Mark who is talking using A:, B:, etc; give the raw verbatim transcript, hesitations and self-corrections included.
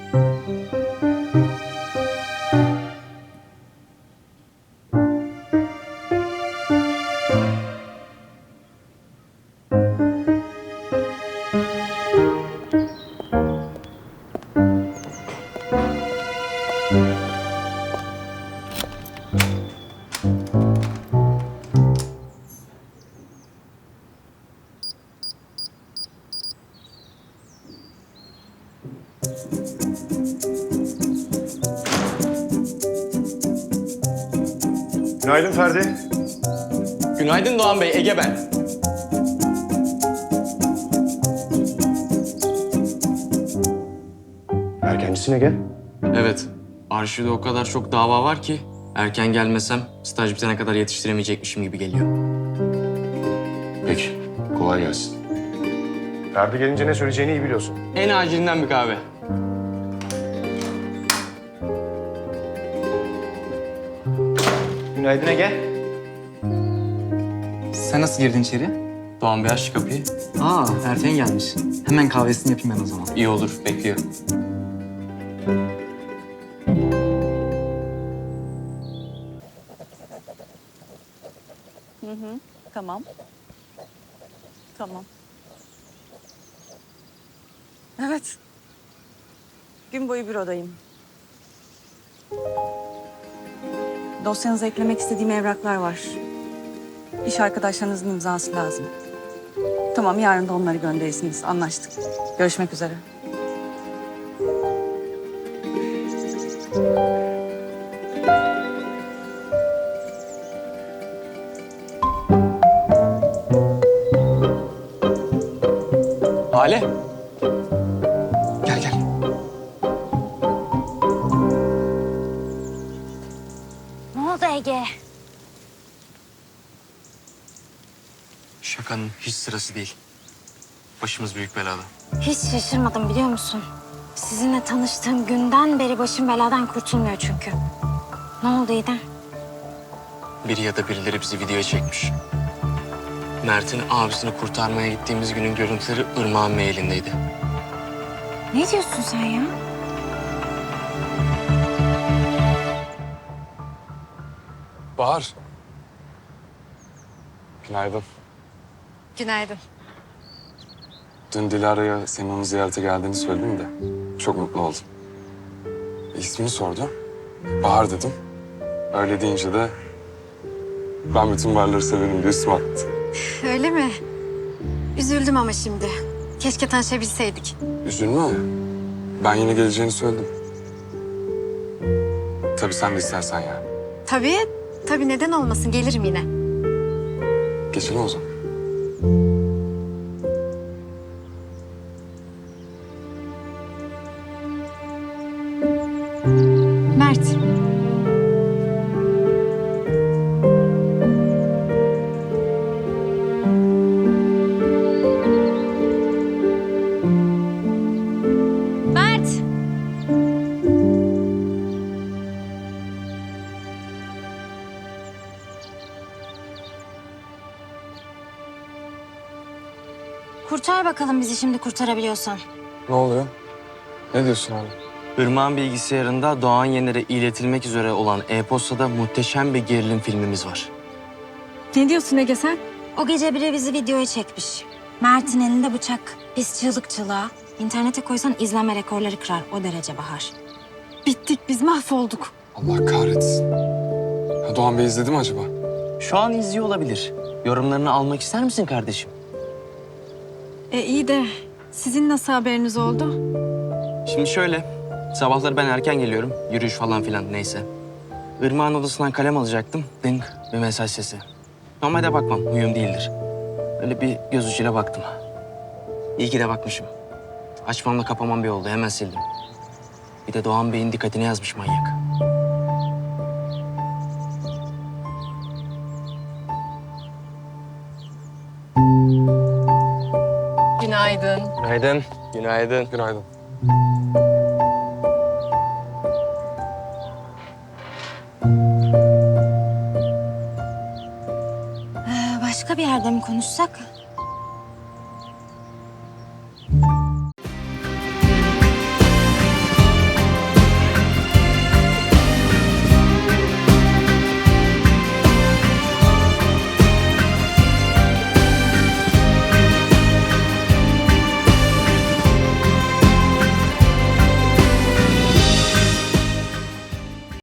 A: Günaydın Ferdi.
B: Günaydın Doğan Bey, Ege ben.
A: Erkencisine gel.
B: Evet, arşivde o kadar çok dava var ki erken gelmesem staj bitene kadar yetiştiremeyecekmişim gibi geliyor.
A: Peki, kolay gelsin. Ferdi gelince ne söyleyeceğini iyi biliyorsun.
B: En acilinden bir kahve.
C: Günaydın Ege. Sen nasıl girdin içeri?
B: Doğan Bey aç şu kapıyı.
C: Aa, erken gelmiş. Hemen kahvesini yapayım ben o zaman.
B: İyi olur, bekliyorum.
D: Hı hı, tamam. Tamam. Evet. Gün boyu bürodayım. Dosyanıza eklemek istediğim evraklar var. İş arkadaşlarınızın imzası lazım. Tamam, yarın da onları gönderirsiniz. Anlaştık. Görüşmek üzere.
B: Hale.
C: Gel gel.
E: Ne oldu Ege?
B: Şakanın hiç sırası değil. Başımız büyük belada.
E: Hiç şaşırmadım biliyor musun? Sizinle tanıştığım günden beri başım beladan kurtulmuyor çünkü. Ne oldu İdem?
B: Biri ya da birileri bizi videoya çekmiş. Mert'in abisini kurtarmaya gittiğimiz günün görüntüleri Irmak'ın mailindeydi.
E: Ne diyorsun sen ya?
F: Bahar. Günaydın.
E: Günaydın.
F: Dün Dilara'ya senin onu ziyarete geldiğini söyledim de çok mutlu oldum. İsmini sordu. Bahar dedim. Öyle deyince de ben bütün varları severim diye üstüme attı.
G: Öyle mi? Üzüldüm ama şimdi. Keşke tanışabilseydik.
F: Üzülme. Ben yine geleceğini söyledim. Tabii sen de istersen yani.
G: Tabii, tabii neden olmasın gelirim yine.
F: Geçelim o zaman.
G: Mert. Mert.
E: Kurtar bakalım bizi şimdi kurtarabiliyorsan.
F: Ne oluyor? Ne diyorsun abi?
B: Irmak'ın bilgisayarında Doğan Yener'e iletilmek üzere olan e-postada muhteşem bir gerilim filmimiz var.
G: Ne diyorsun Ege sen?
E: O gece biri bizi videoya çekmiş. Mert'in elinde bıçak. Biz çığlık çığlığa. İnternete koysan izlenme rekorları kırar. O derece Bahar.
G: Bittik biz mahvolduk.
F: Allah kahretsin. Ha, Doğan Bey izledi mi acaba?
B: Şu an izliyor olabilir. Yorumlarını almak ister misin kardeşim?
G: E iyi de sizin nasıl haberiniz oldu?
B: Şimdi şöyle, sabahları ben erken geliyorum. Yürüyüş falan filan neyse. Irmak'ın odasından kalem alacaktım. Ding, bir mesaj sesi. Normalde bakmam, huyum değildir. Öyle bir göz ucuyla baktım. İyi ki de bakmışım. Açmamla kapamam bir oldu, hemen sildim. Bir de Doğan Bey'in dikkatine yazmış manyak.
G: Günaydın.
B: Günaydın. Günaydın.
F: Günaydın.
E: Ee, başka bir yerde mi konuşsak?